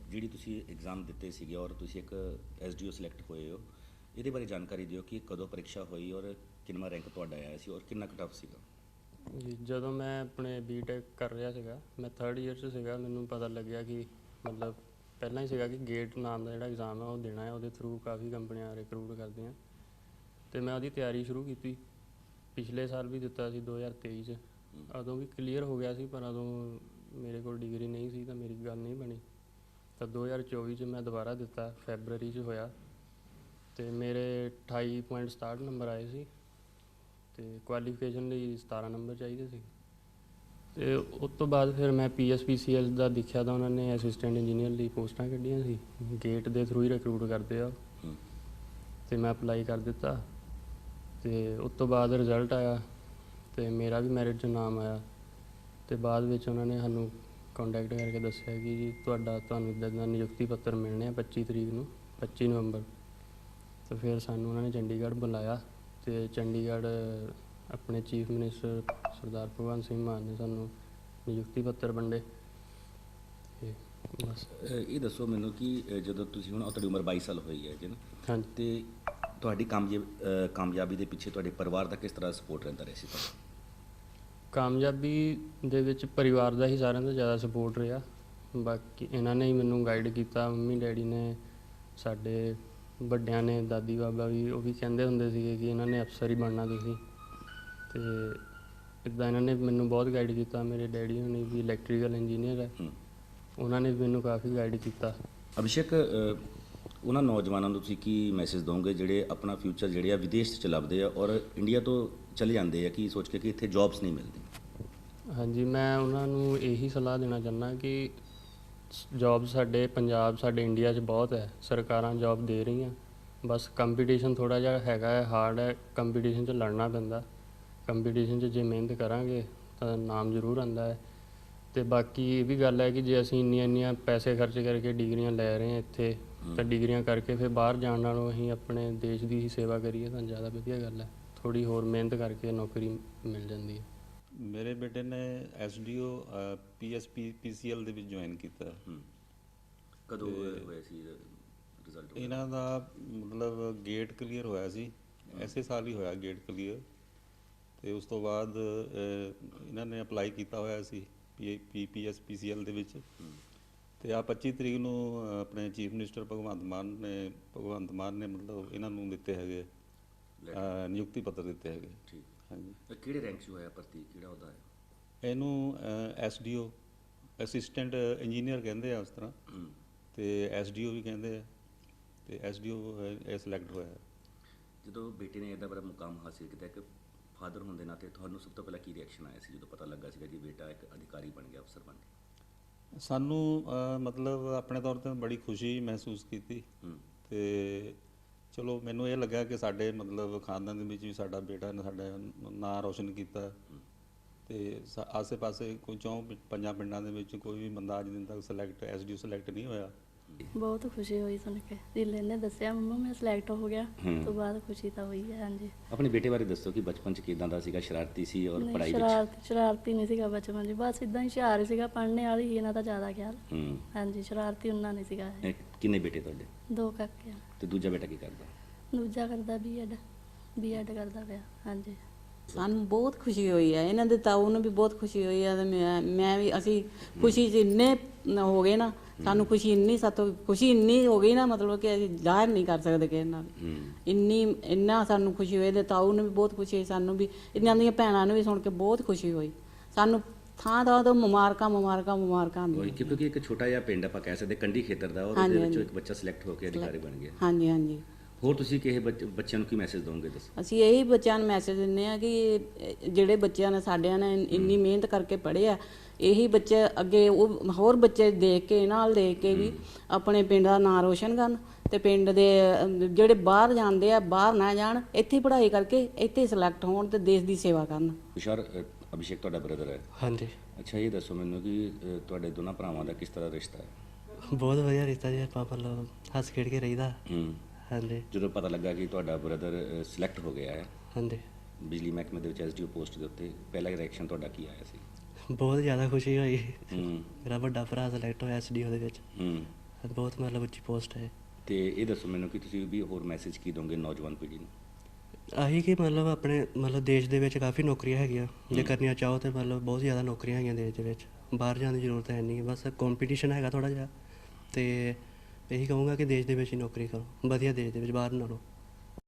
ਜਿਹੜੀ ਤੁਸੀਂ ਐਗਜ਼ਾਮ ਦਿੱਤੇ ਸੀਗੇ ਔਰ ਤੁਸੀਂ ਇੱਕ SDO ਸਿਲੈਕਟ ਹੋਏ ਹੋ, ਇਹਦੇ ਬਾਰੇ ਜਾਣਕਾਰੀ ਦਿਓ ਕਿ ਕਦੋਂ ਪ੍ਰੀਖਿਆ ਹੋਈ ਔਰ ਕਿੰਨਾ ਰੈਂਕ ਤੁਹਾਡਾ ਆਇਆ ਸੀ ਔਰ ਕਿੰਨਾ ਟਫ ਸੀਗਾ। ਜੀ ਜਦੋਂ ਮੈਂ ਆਪਣੇ ਬੀਟੈਕ ਕਰ ਰਿਹਾ ਸੀਗਾ, ਮੈਂ 3rd ਈਅਰ 'ਚ ਸੀਗਾ, ਮੈਨੂੰ ਪਤਾ ਲੱਗਿਆ ਕਿ ਮਤਲਬ ਪਹਿਲਾਂ ਹੀ ਸੀਗਾ ਕਿ ਗੇਟ ਨਾਮ ਦਾ ਜਿਹੜਾ ਐਗਜ਼ਾਮ ਹੈ ਉਹ ਦੇਣਾ ਹੈ, ਉਹਦੇ ਥਰੂ ਕਾਫੀ ਕੰਪਨੀਆਂ ਰਿਕਰੂਟ ਕਰਦੀਆਂ ਅਤੇ ਮੈਂ ਉਹਦੀ ਤਿਆਰੀ ਸ਼ੁਰੂ ਕੀਤੀ। ਪਿਛਲੇ ਸਾਲ ਵੀ ਦਿੱਤਾ ਸੀ 2023 'ਚ, ਉਦੋਂ ਵੀ ਕਲੀਅਰ ਹੋ ਗਿਆ ਸੀ, ਪਰ ਉਦੋਂ ਮੇਰੇ ਕੋਲ ਡਿਗਰੀ ਨਹੀਂ ਸੀ ਤਾਂ ਮੇਰੀ ਗੱਲ ਨਹੀਂ ਬਣੀ। ਤਾਂ 2024 'ਚ ਮੈਂ ਦੁਬਾਰਾ ਦਿੱਤਾ, ਫੈਬਰਰੀ 'ਚ ਹੋਇਆ ਅਤੇ ਮੇਰੇ 28.67 ਨੰਬਰ ਆਏ ਸੀ ਅਤੇ ਕੁਆਲੀਫਿਕੇਸ਼ਨ ਲਈ 17 ਨੰਬਰ ਚਾਹੀਦੇ ਸੀ। ਅਤੇ ਉਸ ਤੋਂ ਬਾਅਦ ਫਿਰ ਮੈਂ PSPCL ਦਾ ਦੇਖਿਆ ਤਾਂ ਉਹਨਾਂ ਨੇ ਅਸਿਸਟੈਂਟ ਇੰਜੀਨੀਅਰ ਲਈ ਪੋਸਟਾਂ ਕੱਢੀਆਂ ਸੀ, ਗੇਟ ਦੇ ਥਰੂ ਹੀ ਰਿਕਰੂਟ ਕਰਦੇ ਆ, ਅਤੇ ਮੈਂ ਅਪਲਾਈ ਕਰ ਦਿੱਤਾ। ਅਤੇ ਉਸ ਤੋਂ ਬਾਅਦ ਰਿਜ਼ਲਟ ਆਇਆ ਅਤੇ ਮੇਰਾ ਵੀ ਮੈਰਿਟ 'ਚ ਨਾਮ ਆਇਆ ਅਤੇ ਬਾਅਦ ਵਿੱਚ ਉਹਨਾਂ ਨੇ ਸਾਨੂੰ ਕੰਟੈਕਟ ਕਰਕੇ ਦੱਸਿਆ ਕਿ ਜੀ ਤੁਹਾਨੂੰ ਇੱਦਾਂ ਦਾ ਨਿਯੁਕਤੀ ਪੱਤਰ ਮਿਲਣੇ ਆ 25 ਤਰੀਕ ਨੂੰ, 25 ਨਵੰਬਰ। ਅਤੇ ਫਿਰ ਸਾਨੂੰ ਉਹਨਾਂ ਨੇ ਚੰਡੀਗੜ੍ਹ ਬੁਲਾਇਆ ਅਤੇ ਚੰਡੀਗੜ੍ਹ ਆਪਣੇ ਚੀਫ ਮਿਨਿਸਟਰ ਸਰਦਾਰ ਭਗਵੰਤ ਸਿੰਘ ਮਾਨ ਨੇ ਸਾਨੂੰ ਨਿਯੁਕਤੀ ਪੱਤਰ ਵੰਡੇ। ਅਤੇ ਬਸ ਇਹ ਦੱਸੋ ਮੈਨੂੰ ਕਿ ਜਦੋਂ ਤੁਸੀਂ ਹੁਣ ਤੁਹਾਡੀ ਉਮਰ 22 ਸਾਲ ਹੋਈ ਹੈ ਜੀ ਨਾ, ਹਾਂਜੀ। ਅਤੇ ਤੁਹਾਡੀ ਕਾਮਯਾਬੀ ਦੇ ਪਿੱਛੇ ਤੁਹਾਡੇ ਪਰਿਵਾਰ ਦਾ ਕਿਸ ਤਰ੍ਹਾਂ ਸਪੋਰਟ ਰਹਿੰਦਾ ਰਿਹਾ ਸੀ ਤੁਹਾਨੂੰ? ਕਾਮਯਾਬੀ ਦੇ ਵਿੱਚ ਪਰਿਵਾਰ ਦਾ ਹੀ ਸਾਰਿਆਂ ਤੋਂ ਜ਼ਿਆਦਾ ਸਪੋਰਟ ਰਿਹਾ। ਬਾਕੀ ਇਹਨਾਂ ਨੇ ਹੀ ਮੈਨੂੰ ਗਾਈਡ ਕੀਤਾ, ਮੰਮੀ ਡੈਡੀ ਨੇ, ਸਾਡੇ ਵੱਡਿਆਂ ਨੇ, ਦਾਦੀ ਬਾਬਾ ਵੀ, ਉਹ ਵੀ ਕਹਿੰਦੇ ਹੁੰਦੇ ਸੀਗੇ ਕਿ ਇਹਨਾਂ ਨੇ ਅਫਸਰ ਹੀ ਬਣਨਾ ਤੁਸੀਂ। ਅਤੇ ਇੱਦਾਂ ਇਹਨਾਂ ਨੇ ਮੈਨੂੰ ਬਹੁਤ ਗਾਈਡ ਕੀਤਾ। ਮੇਰੇ ਡੈਡੀ ਹੋਣੀ ਵੀ ਇਲੈਕਟ੍ਰੀਕਲ ਇੰਜੀਨੀਅਰ ਹੈ, ਉਹਨਾਂ ਨੇ ਵੀ ਮੈਨੂੰ ਕਾਫੀ ਗਾਈਡ ਕੀਤਾ। ਅਭਿਸ਼ੇਕ, ਉਹਨਾਂ ਨੌਜਵਾਨਾਂ ਨੂੰ ਤੁਸੀਂ ਕੀ ਮੈਸੇਜ ਦਿਓਗੇ ਜਿਹੜੇ ਆਪਣਾ ਫਿਊਚਰ ਜਿਹੜੇ ਆ ਵਿਦੇਸ਼ 'ਚ ਲੱਭਦੇ ਆ ਔਰ ਇੰਡੀਆ ਤੋਂ ਚਲੇ ਜਾਂਦੇ ਆ ਕਿ ਸੋਚ ਕੇ ਕਿ ਇੱਥੇ ਜੌਬਸ ਨਹੀਂ ਮਿਲਦੀ? ਹਾਂਜੀ, ਮੈਂ ਉਹਨਾਂ ਨੂੰ ਇਹੀ ਸਲਾਹ ਦੇਣਾ ਚਾਹੁੰਦਾ ਕਿ ਜੌਬ ਸਾਡੇ ਪੰਜਾਬ, ਸਾਡੇ ਇੰਡੀਆ 'ਚ ਬਹੁਤ ਹੈ, ਸਰਕਾਰਾਂ ਜੌਬ ਦੇ ਰਹੀਆਂ, ਬਸ ਕੰਪੀਟੀਸ਼ਨ ਥੋੜ੍ਹਾ ਜਿਹਾ ਹੈਗਾ ਹੈ, ਹਾਰਡ ਹੈ, ਕੰਪੀਟੀਸ਼ਨ 'ਚ ਲੜਨਾ ਪੈਂਦਾ। ਕੰਪੀਟੀਸ਼ਨ 'ਚ ਜੇ ਮਿਹਨਤ ਕਰਾਂਗੇ ਤਾਂ ਨਾਮ ਜ਼ਰੂਰ ਆਉਂਦਾ ਹੈ। ਅਤੇ ਬਾਕੀ ਇਹ ਵੀ ਗੱਲ ਹੈ ਕਿ ਜੇ ਅਸੀਂ ਇੰਨੀਆਂ ਪੈਸੇ ਖਰਚ ਕਰਕੇ ਡਿਗਰੀਆਂ ਲੈ ਰਹੇ ਹਾਂ ਇੱਥੇ, ਤਾਂ ਡਿਗਰੀਆਂ ਕਰਕੇ ਫਿਰ ਬਾਹਰ ਜਾਣ ਨਾਲੋਂ ਅਸੀਂ ਆਪਣੇ ਦੇਸ਼ ਦੀ ਹੀ ਸੇਵਾ ਕਰੀਏ ਤਾਂ ਜ਼ਿਆਦਾ ਵਧੀਆ ਗੱਲ ਹੈ। ਥੋੜ੍ਹੀ ਹੋਰ ਮਿਹਨਤ ਕਰਕੇ ਨੌਕਰੀ ਮਿਲ ਜਾਂਦੀ ਹੈ। ਮੇਰੇ ਬੇਟੇ ਨੇ SDO PSPCL ਦੇ ਵਿੱਚ ਜੁਆਇਨ ਕੀਤਾ। ਕਦੋਂ ਹੋਇਆ ਸੀ ਰਿਜ਼ਲਟ? ਇਹਨਾਂ ਦਾ ਮਤਲਬ ਗੇਟ ਕਲੀਅਰ ਹੋਇਆ ਸੀ, ਐਸੇ ਸਾਲ ਹੀ ਹੋਇਆ ਗੇਟ ਕਲੀਅਰ। ਅਤੇ ਉਸ ਤੋਂ ਬਾਅਦ ਇਹਨਾਂ ਨੇ ਅਪਲਾਈ ਕੀਤਾ ਹੋਇਆ ਸੀ PSPCL ਦੇ ਵਿੱਚ। ਅਤੇ ਆ 25 ਤਰੀਕ ਨੂੰ ਆਪਣੇ ਚੀਫ ਮਿਨਿਸਟਰ ਭਗਵੰਤ ਮਾਨ ਨੇ ਮਤਲਬ ਇਹਨਾਂ ਨੂੰ ਦਿੱਤੇ ਹੈਗੇ ਨਿਯੁਕਤੀ ਪੱਤਰ ਦਿੱਤੇ ਹੈਗੇ। ਠੀਕ। ਹਾਂਜੀ। ਕਿਹੜੇ ਰੈਂਕ 'ਚ ਹੋਇਆ ਭਰਤੀ, ਕਿਹੜਾ ਉਹਦਾ ਹੈ? ਇਹਨੂੰ SDO ਅਸਿਸਟੈਂਟ ਇੰਜੀਨੀਅਰ ਕਹਿੰਦੇ ਆ ਉਸ ਤਰ੍ਹਾਂ, ਅਤੇ SDO ਵੀ ਕਹਿੰਦੇ ਆ, ਅਤੇ SDO ਇਹ ਸਿਲੈਕਟ ਹੋਇਆ। ਜਦੋਂ ਬੇਟੇ ਨੇ ਇਹਦਾ ਬੜਾ ਮੁਕਾਮ ਹਾਸਿਲ ਕੀਤਾ, ਇੱਕ ਫਾਦਰ ਹੋਣ ਦੇ ਨਾਤੇ ਤੁਹਾਨੂੰ ਸਭ ਤੋਂ ਪਹਿਲਾਂ ਕੀ ਰਿਐਕਸ਼ਨ ਆਇਆ ਸੀ ਜਦੋਂ ਪਤਾ ਲੱਗਾ ਸੀਗਾ ਕਿ ਬੇਟਾ ਇੱਕ ਅਧਿਕਾਰੀ ਬਣ ਗਿਆ, ਅਫਸਰ ਬਣ ਗਿਆ? ਸਾਨੂੰ ਮਤਲਬ ਆਪਣੇ ਤੌਰ 'ਤੇ ਬੜੀ ਖੁਸ਼ੀ ਮਹਿਸੂਸ ਕੀਤੀ। ਅਤੇ ਚਲੋ ਮੈਨੂੰ ਇਹ ਲੱਗਾ ਕਿ ਸਾਡੇ ਮਤਲਬ ਖਾਨਦਾਨ ਦੇ ਵਿੱਚ ਵੀ ਸਾਡਾ ਬੇਟਾ ਨੇ ਸਾਡਾ ਨਾਂ ਰੋਸ਼ਨ ਕੀਤਾ। ਅਤੇ ਆਸੇ ਪਾਸੇ ਕੋਈ 4-5 ਪਿੰਡਾਂ ਦੇ ਵਿੱਚ ਕੋਈ ਵੀ ਬੰਦਾ ਅੱਜ ਦਿਨ ਤੱਕ SDO ਸਿਲੈਕਟ ਨਹੀਂ ਹੋਇਆ। ਬਹੁਤ ਖੁਸ਼ੀ ਹੋਈ ਸੁਣ ਕੇ, ਜਿੱਲੇ ਨੇ ਦੱਸਿਆ ਮੰਮਾ ਮੈਂ ਸਿਲੈਕਟ ਹੋ ਗਿਆ, ਤੋਂ ਬਾਅਦ ਖੁਸ਼ੀ ਤਾਂ ਹੋਈ ਹੈ। ਹਾਂਜੀ। ਆਪਣੇ ਬੇਟੇ ਬਾਰੇ ਦੱਸੋ ਕਿ ਬਚਪਨ 'ਚ ਕਿਦਾਂ ਦਾ ਸੀਗਾ? ਸ਼ਰਾਰਤੀ ਸੀ ਔਰ ਪੜ੍ਹਾਈ ਵਿੱਚ? ਸ਼ਰਾਰਤੀ ਨਹੀਂ ਸੀਗਾ ਬਚਪਨ 'ਚ, ਬਸ ਇਦਾਂ ਹੀ ਹੁਸ਼ਿਆਰ ਸੀਗਾ, ਪੜ੍ਹਨੇ ਵਾਲੀ ਹੀ ਇਹਨਾਂ ਦਾ ਜ਼ਿਆਦਾ ਖਿਆਲ। ਹਾਂਜੀ, ਸ਼ਰਾਰਤੀ ਉਹਨਾਂ ਨਹੀਂ ਸੀਗਾ। ਕਿੰਨੇ ਬੇਟੇ ਤੁਹਾਡੇ? 2 ਕਾਕੇ। ਤੇ ਦੂਜਾ ਬੇਟਾ ਕੀ ਕਰਦਾ? ਦੂਜਾ ਕਰਦਾ B.Ed ਕਰਦਾ ਪਿਆ। ਹਾਂਜੀ। ਸਾਨੂੰ ਬਹੁਤ ਖੁਸ਼ੀ ਹੋਈ ਹੈ, ਇਹਨਾਂ ਦੇ ਤਾਊ ਨੂੰ ਵੀ ਬਹੁਤ ਖੁਸ਼ੀ ਹੋਈ ਹੈ, ਮੈਂ ਵੀ, ਅਸੀਂ ਖੁਸ਼ੀ 'ਚ ਇੰਨੇ ਹੋ ਗਏ ਨਾ, ਸਾਨੂੰ ਖੁਸ਼ੀ ਇੰਨੀ ਹੋ ਗਈ ਨਾ, ਮਤਲਬ ਕਿ ਅਸੀਂ ਜ਼ਾਹਿਰ ਨਹੀਂ ਕਰ ਸਕਦੇ ਕਿਸੇ ਨਾਲ। ਇੰਨਾ ਸਾਨੂੰ ਖੁਸ਼ੀ ਹੋਈ, ਤੇ ਤਾਊ ਨੂੰ ਵੀ ਬਹੁਤ ਖੁਸ਼ੀ ਹੋਈ, ਸਾਨੂੰ ਵੀ, ਇਹਨਾਂ ਦੀਆਂ ਭੈਣਾਂ ਨੂੰ ਵੀ ਸੁਣ ਕੇ ਬਹੁਤ ਖੁਸ਼ੀ ਹੋਈ। ਸਾਨੂੰ ਥਾਂ ਤੋਂ ਮੁਬਾਰਕਾਂ ਹੁੰਦੀਆਂ। ਕਿਉਂਕਿ ਇੱਕ ਛੋਟਾ ਜਿਹਾ ਪਿੰਡ ਆਪਾਂ ਕਹਿ ਸਕਦੇ, ਕੰਢੀ ਖੇਤਰ ਦਾ, ਔਰ ਉਹਦੇ ਵਿੱਚੋਂ ਇੱਕ ਬੱਚਾ ਸਿਲੈਕਟ ਹੋ ਕੇ ਅਧਿਕਾਰੀ ਬਣ ਗਿਆ। ਹਾਂਜੀ। ਹੋਰ ਤੁਸੀਂ ਕਿਸੇ ਬੱਚਿਆਂ ਨੂੰ ਕੀ ਮੈਸੇਜ ਦਿਓਗੇ? ਦੱਸੋ। ਅਸੀਂ ਇਹੀ ਬੱਚਿਆਂ ਨੂੰ ਮੈਸੇਜ ਦਿੰਦੇ ਹਾਂ ਕਿ ਜਿਹੜੇ ਬੱਚਿਆਂ ਨੇ ਸਾਡਿਆਂ ਨੇ ਇੰਨੀ ਮਿਹਨਤ ਕਰਕੇ ਪੜ੍ਹਿਆ, ਇਹੀ ਬੱਚੇ ਅੱਗੇ ਉਹ ਹੋਰ ਬੱਚੇ ਦੇਖ ਕੇ ਵੀ ਆਪਣੇ ਪਿੰਡ ਦਾ ਨਾਂ ਰੋਸ਼ਨ ਕਰਨ, ਅਤੇ ਪਿੰਡ ਦੇ ਜਿਹੜੇ ਬਾਹਰ ਜਾਂਦੇ ਆ ਬਾਹਰ ਨਾ ਜਾਣ, ਇੱਥੇ ਪੜ੍ਹਾਈ ਕਰਕੇ ਇੱਥੇ ਸਿਲੈਕਟ ਹੋਣ ਅਤੇ ਦੇਸ਼ ਦੀ ਸੇਵਾ ਕਰਨ। ਤੁਸ਼ਾਰ, ਅਭਿਸ਼ੇਕ ਤੁਹਾਡਾ ਬ੍ਰਦਰ ਹੈ? ਹਾਂਜੀ। ਅੱਛਾ, ਇਹ ਦੱਸੋ ਮੈਨੂੰ ਕਿ ਤੁਹਾਡੇ ਦੋਨਾਂ ਭਰਾਵਾਂ ਦਾ ਕਿਸ ਤਰ੍ਹਾਂ ਰਿਸ਼ਤਾ ਹੈ? ਬਹੁਤ ਵਧੀਆ ਰਿਸ਼ਤਾ ਜੀ, ਆਪਾਂ ਮਤਲਬ ਹੱਸ ਖੇਡ ਕੇ ਰਹੀਦਾ। ਹਾਂਜੀ। ਜਦੋਂ ਪਤਾ ਲੱਗਾ ਕਿ ਤੁਹਾਡਾ ਬ੍ਰਦਰ ਸਿਲੈਕਟ ਹੋ ਗਿਆ ਹੈ ਹਾਂਜੀ, ਬਿਜਲੀ ਮਹਿਕਮੇ ਦੇ ਵਿੱਚ SDO ਪੋਸਟ ਦੇ ਉੱਤੇ, ਪਹਿਲਾ ਰਿਐਕਸ਼ਨ ਤੁਹਾਡਾ ਕੀ ਆਇਆ ਸੀ? ਬਹੁਤ ਜ਼ਿਆਦਾ ਖੁਸ਼ੀ ਹੋਈ। ਮੇਰਾ ਵੱਡਾ ਭਰਾ ਸਿਲੈਕਟ ਹੋਇਆ SDO ਦੇ ਵਿੱਚ। ਬਹੁਤ ਮਤਲਬ ਉੱਚੀ ਪੋਸਟ ਹੈ। ਤੇ ਇਹ ਦੱਸੋ ਮੈਨੂੰ ਕਿ ਤੁਸੀਂ ਵੀ ਹੋਰ ਮੈਸੇਜ ਕੀ ਦੋਗੇ ਨੌਜਵਾਨ ਪੀੜ੍ਹੀ ਨੂੰ? ਆਹੀ ਕਿ ਮਤਲਬ ਆਪਣੇ ਮਤਲਬ ਦੇਸ਼ ਦੇ ਵਿੱਚ ਕਾਫੀ ਨੌਕਰੀਆਂ ਹੈਗੀਆਂ, ਜੇ ਕਰਨੀਆਂ ਚਾਹੋ ਤਾਂ ਮਤਲਬ ਬਹੁਤ ਜ਼ਿਆਦਾ ਨੌਕਰੀਆਂ ਹੈਗੀਆਂ ਦੇਸ਼ ਦੇ ਵਿੱਚ, ਬਾਹਰ ਜਾਣ ਦੀ ਜ਼ਰੂਰਤ ਹੈ ਨਹੀਂ, ਬਸ ਕੰਪੀਟੀਸ਼ਨ ਹੈਗਾ ਥੋੜ੍ਹਾ ਜਿਹਾ। ਤੇ ਇਹੀ ਕਹੂੰਗਾ ਕਿ ਦੇਸ਼ ਦੇ ਵਿੱਚ ਹੀ ਨੌਕਰੀ ਕਰੋ, ਵਧੀਆ ਦੇਸ਼ ਦੇ ਵਿੱਚ, ਬਾਹਰ ਨਾਲੋਂ।